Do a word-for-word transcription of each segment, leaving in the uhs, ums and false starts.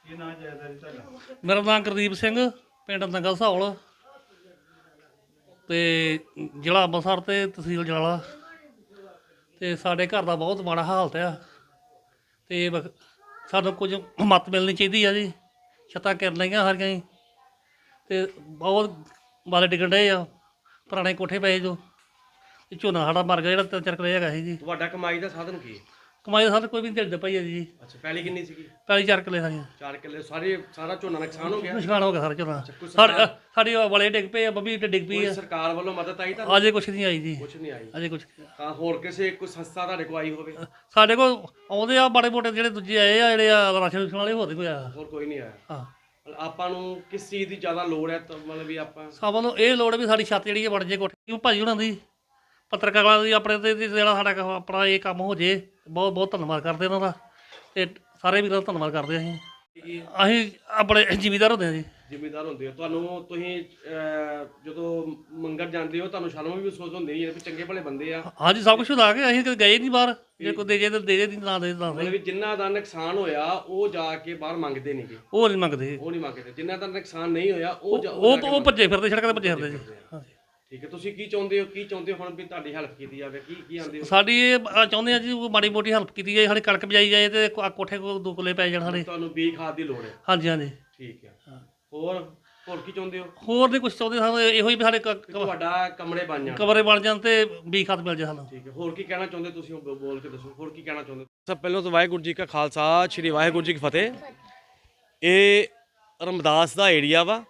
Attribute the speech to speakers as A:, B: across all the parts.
A: मेरा नाम गुरदीप सिंह, पिंड नंगल सौल ते जिला अंबरसर ते तहसील जलाला। ते साढ़े घर का बहुत माड़ा हालत है ते सानू कुछ मत मिलनी चाहिए है जी। छत्तां गिर लगियां सारियां ही ते बहुत बाले डिगन डे आ, पुराने कोठे पे जो झोना साढ़ा मर गया जो तीन चार किले है जी।
B: ਤੁਹਾਡਾ ਕਮਾਈ ਦਾ ਸਾਧਨ ਕੀ ਹੈ?
A: कमाई साढ़े कोई भी नहीं दिखते पाई है जी।
B: ਅੱਛਾ ਪਹਿਲੀ ਕਿੰਨੀ ਸੀਗੀ?
A: पैली चार किले सारियां
B: ਚਾਰ ਕਿੱਲੇ ਸਾਰੇ ਸਾਰਾ ਝੋਨਾ ਨੁਕਸਾਨ ਹੋ ਗਿਆ।
A: नुकसान हो गया सारा झोना।
B: ਕੋਈ
A: साढ़े
B: ਸਰਕਾਰ
A: साढ़ी वाले डिग पे आ, बब्बी डिग पई
B: ਕੋਈ
A: है।
B: ਸਰਕਾਰ ਵੱਲੋਂ ਮਦਦ ਆਈ ਤਾਂ
A: अजे कुछ नहीं आई जी,
B: ਕੁਝ ਨਹੀਂ ਆਈ।
A: अजे कुछ
B: ਤਾਂ ਹੋਰ ਕਿਸੇ ਕੋਈ ਸੰਸਥਾ ਤੁਹਾਡੇ ਕੋਲ ਆਈ ਹੋਵੇ?
A: ਸਾਡੇ ਕੋਲ ਆਉਂਦੇ ਆ ਮਾੜੇ ਮੋਟੇ ਜਿਹੜੇ ਦੂਜੇ ਆਏ ਆ ਜਿਹੜੇ ਆ ਰਾਸ਼ਨ ਰੂਸ਼ਨ ਵਾਲੇ, ਹੋਰ ਨਹੀਂ ਕੋਈ ਆਇਆ।
B: ਹੋਰ ਕੋਈ ਨਹੀਂ ਆਇਆ।
A: ਹਾਂ,
B: ਮਤਲਬ ਆਪਾਂ ਨੂੰ ਕਿਸ ਚੀਜ਼ ਦੀ ਜ਼ਿਆਦਾ ਲੋੜ ਹੈ ਤਾਂ ਮਤਲਬ ਵੀ ਆਪਾਂ
A: ਸਾਨੂੰ ਨੂੰ ਇਹ ਲੋੜ ਵੀ ਸਾਡੀ ਛੱਤ ਜਿਹੜੀ ਆ ਬਣ ਜੇ ਕੋਠੀ। ਭਾਜੀ ਹੁਣਾਂ ਦੀ ਪੱਤਰਕਾਰਾਂ ਦੀ ਆਪਣੇ ਤੇ ਜਿਹੜਾ ਸਾਡਾ ਕੰਮ- ਆਪਣਾ ਇਹ ਕੰਮ ਹੋ ਜੇ, ਬਹੁਤ ਬਹੁਤ ਧੰਨਵਾਦ ਕਰਦੇ ਉਹਨਾਂ ਦਾ ਤੇ ਸਾਰੇ ਵੀਰਾਂ ਦਾ ਧੰਨਵਾਦ ਕਰਦੇ ਅਸੀਂ।
B: ਕੀ
A: ਅਸੀਂ ਆਪਣੇ ਜ਼ਿਮੀਦਾਰ ਹੁੰਦੇ ਆ ਜੀ।
B: ਜ਼ਿੰਮੇਦਾਰ ਹੁੰਦੇ ਹੋ ਤੁਹਾਨੂੰ ਤੁਸੀਂ ਅਹ, ਜਦੋਂ ਮੰਗਣ ਜਾਂਦੇ ਹੋ ਤੁਹਾਨੂੰ ਸ਼ਰਮ ਵੀ ਮਹਿਸੂਸ ਹੁੰਦੀ ਹੈ ਵੀ ਚੰਗੇ ਭਲੇ ਬੰਦੇ ਆ।
A: ਹਾਂਜੀ, ਸਭ ਕੁਛ ਲਾ ਕੇ ਅਸੀਂ ਕਦੇ ਗਏ ਨਹੀਂ ਬਾਹਰ। ਜੇ ਕੋਈ ਦੇ ਜੇ ਤਾਂ ਦੇ ਜੇ, ਨਹੀਂ ਨਾ ਦੇ ਤਾਂ
B: ਮਤਲਬ ਵੀ ਜਿਨ੍ਹਾਂ ਦਾ ਨੁਕਸਾਨ ਹੋਇਆ ਉਹ ਜਾ ਕੇ ਬਾਹਰ ਮੰਗਦੇ ਨਹੀਂਗੇ,
A: ਉਹ ਨਹੀਂ ਮੰਗਦੇ।
B: ਉਹ ਨਹੀਂ ਮੰਗਦੇ। ਜਿਨ੍ਹਾਂ ਦਾ ਨੁਕਸਾਨ ਨਹੀਂ ਹੋਇਆ ਉਹ ਜਾ-
A: ਉਹ
B: ਜਾ ਕੇ
A: ਉਹ ਭੱਜੇ ਫਿਰਦੇ, ਸੜਕਾਂ ਤੇ ਭੱਜੇ ਫਿਰਦੇ ਜੀ। ਹਾਂਜੀ,
B: ਠੀਕ ਹੈ। ਤੁਸੀਂ ਕੀ ਚਾਹੁੰਦੇ ਹੋ ਕੀ ਚਾਹੁੰਦੇ ਹੋ ਹੁਣ ਵੀ ਤੁਹਾਡੀ ਹੈਲਪ ਕੀਤੀ ਜਾਵੇ? ਕੀ ਕੀ ਆਂਦੇ ਹੋ?
A: ਸਾਡੀ ਇਹ ਅ, ਚਾਹੁੰਦੇ ਆ ਜੀ ਉਹ ਮਾੜੀ ਮੋਟੀ ਹੈਲਪ ਕੀਤੀ ਜਾਏ, ਸਾਡੀ ਕਣਕ ਬਜਾਈ ਜਾਏ ਤੇ ਕੋ- ਕੋਠੇ ਕੋ ਦੋ ਕੁਲੇ ਪੈ ਜਾਣ ਸਾਡੇ।
B: ਤੁਹਾਨੂੰ ਬੀ ਖਾਦ ਦੀ ਲੋੜ ਹੈ?
A: ਹਾਂਜੀ ਹਾਂਜੀ।
B: ਠੀਕ ਹੈ। ਹੋਰ ਹੋਰ ਕੀ ਚਾਹੁੰਦੇ ਹੋ?
A: ਹੋਰ ਨਹੀਂ ਕੁਛ ਚਾਹੁੰਦੇ, ਸਾਨੂੰ ਇਹੋ ਹੀ ਵੀ ਸਾਡੇ ਕ-
B: ਕਿ ਤੁਹਾਡਾ ਕਮਰੇ ਬਣ ਜਾਣ।
A: ਕਮਰੇ ਬਣ ਜਾਣ ਤੇ ਬੀ ਖਾਦ ਮਿਲ ਜਾਏ ਸਾਨੂੰ।
B: ਠੀਕ ਹੈ। ਹੋਰ ਕੀ ਕਹਿਣਾ ਚਾਹੁੰਦੇ ਤੁਸੀਂ ਉਹ ਬ- ਬੋਲ ਕੇ ਦੱਸੋ, ਹੋਰ ਕੀ ਕਹਿਣਾ ਚਾਹੁੰਦੇ? ਸਭ ਪਹਿਲਾਂ ਤਾਂ ਵਾਹਿਗੁਰੂ ਜੀ ਕਾ ਖਾਲਸਾ, ਸ਼੍ਰੀ ਵਾਹਿਗੁਰੂ ਜੀ ਕੀ ਫਤਿਹ। ਇਹ ਰਮਦਾਸ ਦਾ ਏਰੀਆ ਵਾ,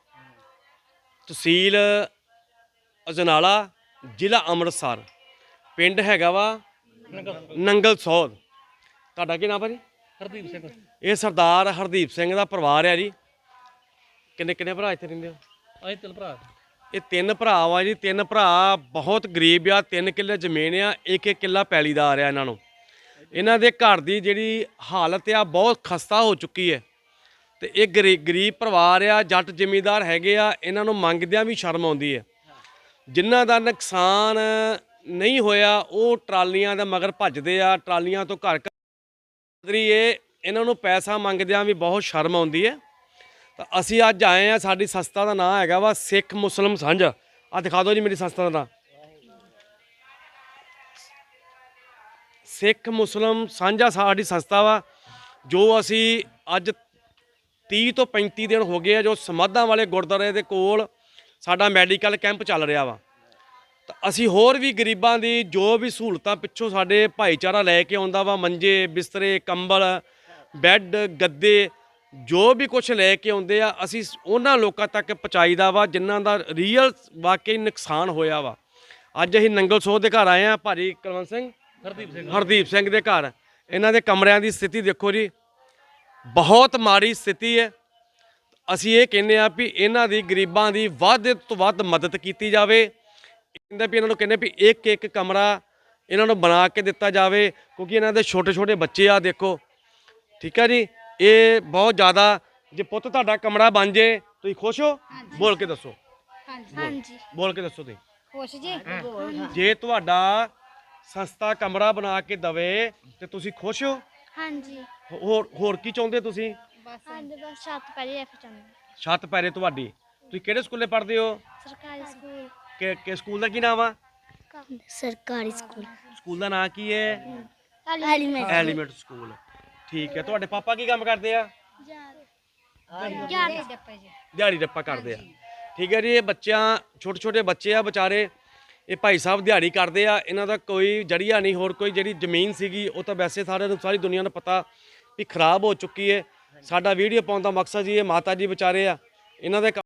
B: ਤਹਿਸੀਲ ਅਜਨਾਲਾ, ਜ਼ਿਲ੍ਹਾ ਅੰਮ੍ਰਿਤਸਰ, ਪਿੰਡ ਹੈਗਾ ਵਾ ਨੰਗਲ ਸੌਦ। ਤੁਹਾਡਾ ਕੀ ਨਾਮ ਹੈ ਜੀ?
A: ਹਰਦੀਪ ਸਿੰਘ।
B: ਇਹ ਸਰਦਾਰ ਹਰਦੀਪ ਸਿੰਘ ਦਾ ਪਰਿਵਾਰ ਹੈ ਜੀ। ਕਿੰਨੇ ਕਿੰਨੇ ਭਰਾ ਇੱਥੇ ਰਹਿੰਦੇ ਹੋ?
A: ਅਸੀਂ ਤਿੰਨ ਭਰਾ।
B: ਇਹ ਤਿੰਨ ਭਰਾ ਵਾ ਜੀ। ਤਿੰਨ ਭਰਾ ਬਹੁਤ ਗਰੀਬ ਆ। ਤਿੰਨ ਕਿੱਲੇ ਜ਼ਮੀਨ ਆ, ਇੱਕ ਇੱਕ ਕਿੱਲਾ ਪੈਲੀਦਾਰ ਆ ਇਹਨਾਂ ਨੂੰ। ਇਹਨਾਂ ਦੇ ਘਰ ਦੀ ਜਿਹੜੀ ਹਾਲਤ ਆ ਬਹੁਤ ਖਸਤਾ ਹੋ ਚੁੱਕੀ ਹੈ ਤੇ ਇਹ ਗਰੀ ਗਰੀਬ ਪਰਿਵਾਰ ਆ, ਜੱਟ ਜ਼ਿਮੀਂਦਾਰ ਹੈਗੇ ਆ। ਇਹਨਾਂ ਨੂੰ ਮੰਗਦਿਆਂ ਵੀ ਸ਼ਰਮ ਆਉਂਦੀ ਹੈ। ਜਿਨ੍ਹਾਂ ਦਾ ਨੁਕਸਾਨ ਨਹੀਂ ਹੋਇਆ ਉਹ ਟਰਾਲੀਆਂ ਦੇ ਮਗਰ ਭੱਜਦੇ ਆ, ਟਰਾਲੀਆਂ ਤੋਂ ਘਰ ਘਰ ਇਹ ਇਹਨਾਂ ਨੂੰ ਪੈਸਾ ਮੰਗਦਿਆਂ ਵੀ ਬਹੁਤ ਸ਼ਰਮ ਆਉਂਦੀ ਹੈ। ਤਾਂ ਅਸੀਂ ਅੱਜ ਆਏ ਆ, ਸਾਡੀ ਸੰਸਥਾ ਦਾ ਨਾਮ ਹੈਗਾ ਵਾ ਸਿੱਖ ਮੁਸਲਿਮ ਸਾਂਝਾ। ਆ ਦਿਖਾ ਦਿਓ ਜੀ ਮੇਰੀ ਸੰਸਥਾ ਦਾ ਨਾਮ, ਸਿੱਖ ਮੁਸਲਿਮ ਸਾਂਝਾ ਸਾਡੀ ਸੰਸਥਾ ਵਾ। ਜੋ ਅਸੀਂ ਅੱਜ ਤੀਹ ਤੋਂ ਪੈਂਤੀ ਦਿਨ ਹੋ ਗਏ ਆ ਜੋ ਸਮਾਧਾਂ ਵਾਲੇ ਗੁਰਦੁਆਰੇ ਦੇ ਕੋਲ ਸਾਡਾ ਮੈਡੀਕਲ ਕੈਂਪ ਚੱਲ ਰਿਹਾ ਵਾ। ਤਾਂ ਅਸੀਂ ਹੋਰ ਵੀ ਗਰੀਬਾਂ ਦੀ ਜੋ ਵੀ ਸਹੂਲਤਾਂ ਪਿੱਛੋਂ ਸਾਡੇ ਭਾਈਚਾਰਾ ਲੈ ਕੇ ਆਉਂਦਾ ਵਾ, ਮੰਜੇ ਬਿਸਤਰੇ ਕੰਬਲ ਬੈੱਡ ਗੱਦੇ ਜੋ ਵੀ ਕੁਝ ਲੈ ਕੇ ਆਉਂਦੇ ਆ, ਅਸੀਂ ਉਹਨਾਂ ਲੋਕਾਂ ਤੱਕ ਪਹੁੰਚਾਈਦਾ ਵਾ ਜਿਨ੍ਹਾਂ ਦਾ ਰੀਅਲ ਵਾਕਈ ਨੁਕਸਾਨ ਹੋਇਆ ਵਾ। ਅੱਜ ਅਸੀਂ ਨੰਗਲ ਸੋਹ ਦੇ ਘਰ ਆਏ ਆ, ਭਾਜੀ ਕੁਲਵੰਤ ਸਿੰਘ
A: ਹਰਦੀਪ ਸਿੰਘ
B: ਹਰਦੀਪ ਸਿੰਘ ਦੇ ਘਰ। ਇਹਨਾਂ ਦੇ ਕਮਰਿਆਂ ਦੀ ਸਥਿਤੀ ਦੇਖੋ ਜੀ, ਬਹੁਤ ਮਾੜੀ ਸਥਿਤੀ ਹੈ। ਅਸੀਂ ਇਹ ਕਹਿੰਦੇ ਆ ਵੀ ਇਹਨਾਂ ਦੀ ਗਰੀਬਾਂ ਦੀ ਵੱਧ ਤੋਂ ਵੱਧ ਮਦਦ ਕੀਤੀ ਜਾਵੇ। ਕਹਿੰਦੇ ਵੀ ਇਹਨਾਂ ਨੂੰ ਕਹਿੰਦੇ ਵੀ ਇੱਕ ਇੱਕ ਕਮਰਾ ਇਹਨਾਂ ਨੂੰ ਬਣਾ ਕੇ ਦਿੱਤਾ ਜਾਵੇ, ਕਿਉਂਕਿ ਇਹਨਾਂ ਦੇ ਛੋਟੇ ਛੋਟੇ ਬੱਚੇ ਆ ਦੇਖੋ। ਠੀਕ ਹੈ ਜੀ, ਇਹ ਬਹੁਤ ਜ਼ਿਆਦਾ। ਜੇ ਪੁੱਤ ਤੁਹਾਡਾ ਕਮਰਾ ਬਣ ਜੇ ਤੁਸੀਂ ਖੁਸ਼ ਹੋ? ਬੋਲ ਕੇ ਦੱਸੋ।
C: ਹਾਂਜੀ
B: ਬੋਲ ਕੇ ਦੱਸੋ ਤੁਸੀਂ
C: ਖੁਸ਼ ਜੀ।
B: ਜੇ ਤੁਹਾਡਾ ਸਸਤਾ ਕਮਰਾ ਬਣਾ ਕੇ ਦਵੇ ਤੇ ਤੁਸੀਂ ਖੁਸ਼ ਹੋ?
C: ਹਾਂਜੀ
B: ਹੋਰ ਹੋਰ ਕੀ ਚਾਹੁੰਦੇ ਤੁਸੀਂ?
C: ਬਸ ਹਾਂਜੀ ਬਸ ਛੱਤ ਪਹਿਲੇ ਰੱਖ ਚਾਹੁੰਦੇ।
B: ਛੱਤ ਪੈਰੇ ਤੁਹਾਡੀ। ਤੁਸੀਂ ਕਿਹੜੇ ਸਕੂਲੇ ਪੜ੍ਹਦੇ ਹੋ?
C: ਸਰਕਾਰੀ ਸਕੂਲ।
B: ਕਿ ਕਿ ਸਕੂਲ ਦਾ ਕੀ ਨਾਮ ਆ?
C: ਸਰਕਾਰੀ ਸਕੂਲ
B: ਸਕੂਲ ਦਾ ਨਾਮ ਕੀ ਹੈ?
C: Element
B: element school. ਠੀਕ ਹੈ। ਤੁਹਾਡੇ ਪਾਪਾ ਕੀ ਕੰਮ ਕਰਦੇ ਆ?
C: ਯਾਰ ਡੱਪੇ ਜੀ।
B: ਦਿਹਾੜੀ ਰੱਪਾ ਕਰਦੇ ਆ। ਠੀਕ ਹੈ ਜੀ। ਇਹ ਬੱਚਿਆਂ ਛੋਟੇ ਛੋਟੇ ਬੱਚੇ ਆ ਵਿਚਾਰੇ, ਇਹ ਭਾਈ ਸਾਹਿਬ ਦਿਹਾੜੀ ਕਰਦੇ ਆ। ਇਹਨਾਂ ਦਾ ਕੋਈ ਜੜੀਆ ਨਹੀਂ, ਹੋਰ ਕੋਈ ਜਿਹੜੀ ਜ਼ਮੀਨ ਸੀਗੀ ਉਹ ਤਾਂ ਵੈਸੇ ਸਾਰਿਆਂ ਨੂੰ ਸਾਰੀ ਦੁਨੀਆ ਨੂੰ ਪਤਾ ਵੀ ਖਰਾਬ ਹੋ ਚੁੱਕੀ ਹੈ। ਸਾਡਾ ਵੀਡੀਓ ਪਾਉਣ ਦਾ ਮਕਸਦ ਜੀ ਇਹ ਮਾਤਾ ਜੀ ਵਿਚਾਰੇ ਆ, ਇਹਨਾਂ ਦੇ